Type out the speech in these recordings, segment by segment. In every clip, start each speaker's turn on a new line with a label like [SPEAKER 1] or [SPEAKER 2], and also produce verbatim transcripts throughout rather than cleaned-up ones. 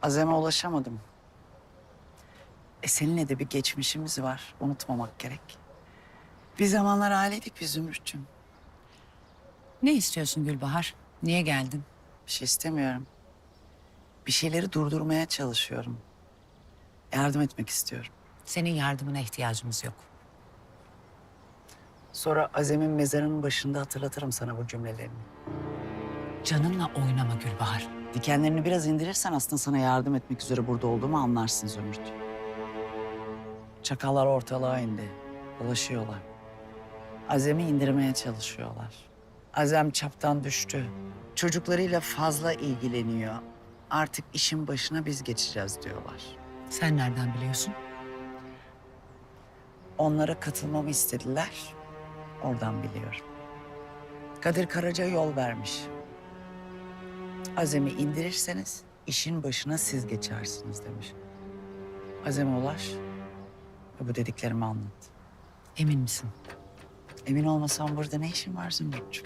[SPEAKER 1] Azem'e ulaşamadım. E seninle de bir geçmişimiz var. Unutmamak gerek. Bir zamanlar aileydik biz Zümrüt'cüğüm.
[SPEAKER 2] Ne istiyorsun Gülbahar? Niye geldin?
[SPEAKER 1] Bir şey istemiyorum. Bir şeyleri durdurmaya çalışıyorum. Yardım etmek istiyorum.
[SPEAKER 2] Senin yardımına ihtiyacımız yok.
[SPEAKER 1] Sonra Azem'in mezarının başında hatırlatırım sana bu cümlelerini.
[SPEAKER 2] Canınla oynama Gülbahar.
[SPEAKER 1] Dikenlerini biraz indirirsen aslında sana yardım etmek üzere burada olduğumu anlarsın Zümrüt. Çakallar ortalığa indi. Dolaşıyorlar. Azem'i indirmeye çalışıyorlar. Azem çaptan düştü. Çocuklarıyla fazla ilgileniyor. Artık işin başına biz geçeceğiz diyorlar.
[SPEAKER 2] Sen nereden biliyorsun?
[SPEAKER 1] Onlara katılmamı istediler. Oradan biliyorum. Kadir Karaca yol vermiş. Azem'i indirirseniz işin başına siz geçersiniz demiş. Azem'e ulaş ve bu dediklerimi anlat.
[SPEAKER 2] Emin misin?
[SPEAKER 1] Emin olmasam burada ne işin var Zümrüt'cüğüm?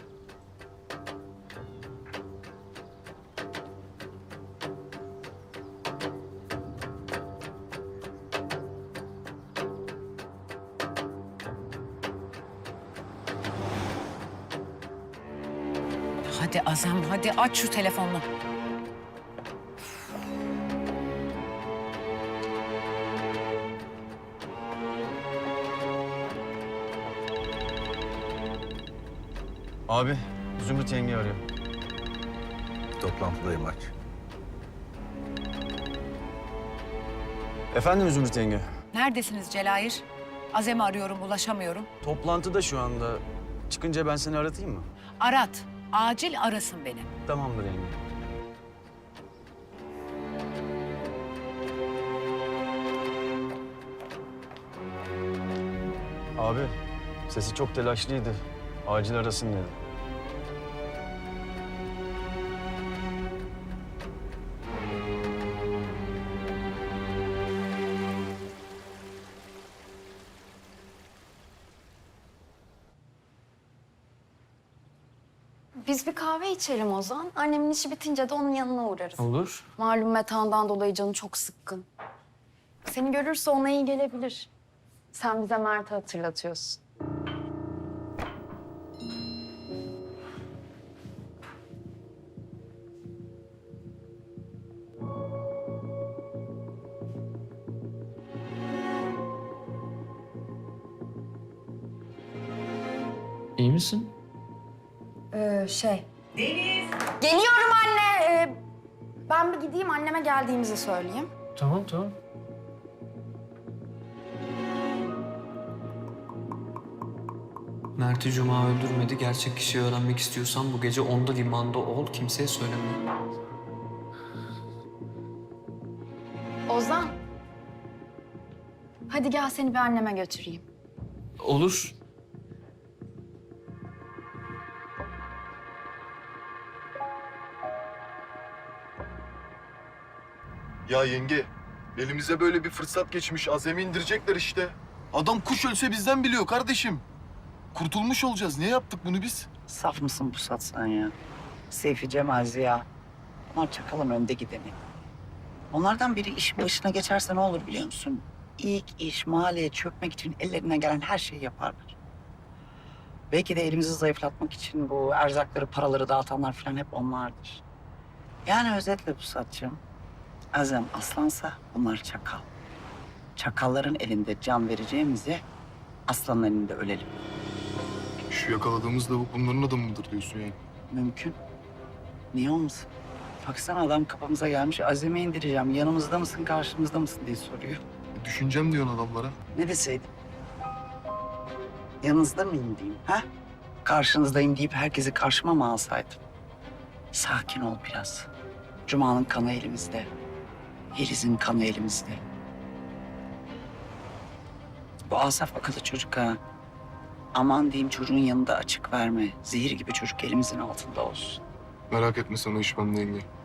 [SPEAKER 2] Hadi Azem, hadi aç şu telefonunu.
[SPEAKER 3] Abi, Zümrüt yenge arıyor.
[SPEAKER 4] Toplantıdayım aç.
[SPEAKER 3] Efendim Zümrüt yenge?
[SPEAKER 2] Neredesiniz Celayir? Azem'i arıyorum, ulaşamıyorum.
[SPEAKER 3] Toplantıda şu anda. Çıkınca ben seni aratayım mı?
[SPEAKER 2] Arat, acil arasın beni.
[SPEAKER 3] Tamamdır yenge. Abi, sesi çok telaşlıydı. Acil arasın dedi.
[SPEAKER 5] Biz bir kahve içelim Ozan. Annemin işi bitince de onun yanına uğrarız.
[SPEAKER 3] Olur.
[SPEAKER 5] Malum Metehan'dan dolayı canı çok sıkkın. Seni görürse ona iyi gelebilir. Sen bize Mert'i hatırlatıyorsun.
[SPEAKER 6] İyi misin?
[SPEAKER 5] Ee, şey... Deniz! Geliyorum anne. Ee, ben bir gideyim anneme geldiğimizi söyleyeyim.
[SPEAKER 6] Tamam, tamam. Mert'i Cuma öldürmedi. Gerçek kişiyi öğrenmek istiyorsan bu gece onda limanda ol. Kimseye söyleme.
[SPEAKER 5] Ozan. Hadi gel seni bir anneme götüreyim.
[SPEAKER 6] Olur.
[SPEAKER 7] Ya yenge, elimize böyle bir fırsat geçmiş. Azem'i indirecekler işte. Adam kuş ölse bizden biliyor kardeşim. Kurtulmuş olacağız. Niye yaptık bunu biz?
[SPEAKER 1] Saf mısın bu satsan ya? Seyfi, Cemal, Ziya. Onlar çakalın önde gideni. Onlardan biri işin başına geçerse ne olur biliyor musun? İlk iş mahalleye çökmek için ellerine gelen her şeyi yaparlar. Belki de elimizi zayıflatmak için bu erzakları, paraları dağıtanlar falan hep onlardır. Yani özetle bu satçım. Azem aslansa bunlar çakal. Çakalların elinde can vereceğimize aslanın elinde ölelim.
[SPEAKER 7] Şu yakaladığımız lavuk bunların adamı mıdır diyorsun yani?
[SPEAKER 1] Mümkün. Niye olmasın? Baksana adam kapımıza gelmiş. Azem'i indireceğim. Yanımızda mısın, karşımızda mısın diye soruyor.
[SPEAKER 7] E, düşüneceğim diyorsun adamlara.
[SPEAKER 1] Ne deseydim? Yanınızda mıyım diyeyim, ha? Karşınızdayım deyip herkesi karşıma mı alsaydım? Sakin ol biraz. Cuma'nın kanı elimizde. Yeliz'in kanı elimizde. Bu Asaf akıllı çocuk ha. Aman diyeyim çocuğun yanında açık verme. Zehir gibi çocuk elimizin altında olsun.
[SPEAKER 7] Merak etme sen o iş bende yenge.